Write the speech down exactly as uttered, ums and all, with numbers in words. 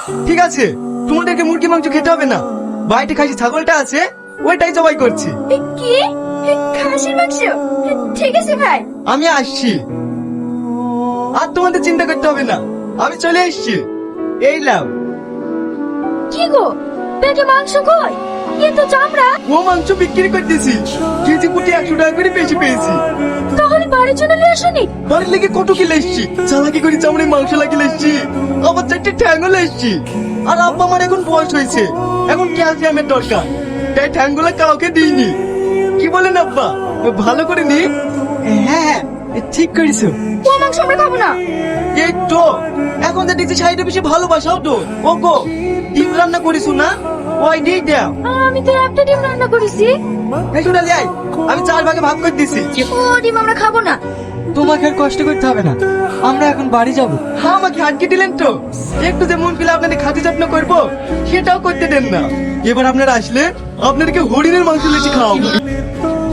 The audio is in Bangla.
ঠিক আছে, তোমাদেরকে মুরগি মাংস খেতে হবে না। বাড়িতে খাসি ছাগলটা আছে, ওইটাই জবাই করছি। এ, কি এ, খাসির মাংস? এ, ঠিক আছে ভাই। আমি আসছি, আর তোমাদের চিন্তা করতে হবে না, আমি চলে এসছি। এই লাও। কি গো, পেটে মাংস কই? এ তো চামড়া। ও মাংস বিক্রি করতেছি, কেজি প্রতি একশো টাকা করে বেশি পেয়েছি। তাহলে বাড়ির জন্য নিয়ে আসনি? বাড়ির লেগে কত কিলো এসছি, চালাকি করে চামড়ে মাংস লাগিয়ে এসছি, আবার চারটে ঠ্যাঙ্গলে এসছি। আর আব্বা আমার এখন বয়স হয়েছে, এখন ক্যালসিয়ামের দরকার, তাই ঠ্যাঙ্গুলো কাউকে দিইনি। কি বলেন আব্বা, ভালো করে নি? হ্যাঁ হ্যাঁ, ঠিক করেছো। ও মাংস আমরা খাবো না। এই তো এখন তো দেখছি শাড়িটা বেশি ভালোবাসাও তো। ও গো, ডিম রান্না করিস না, ওই দিয়ে দাও। আমি তো একটা ডিম রান্না করেছি। এই শোনালি, আয়, আমি চার ভাগে ভাগ করে দিছি। ও ডিম আমরা খাবো না। তোমাকে আর কষ্ট করতে হবে না, আমরা এখন বাড়ি যাব। হ্যাঁ, আমাকে আটকে দিলেন তো। একটু যে মন পেলে আপনাদের খাতি যত্ন করবো, সেটাও করতে দেন না। এবার আপনারা আসলে আপনাদেরকে হরিণের মাংস লেচি খাওয়াবো।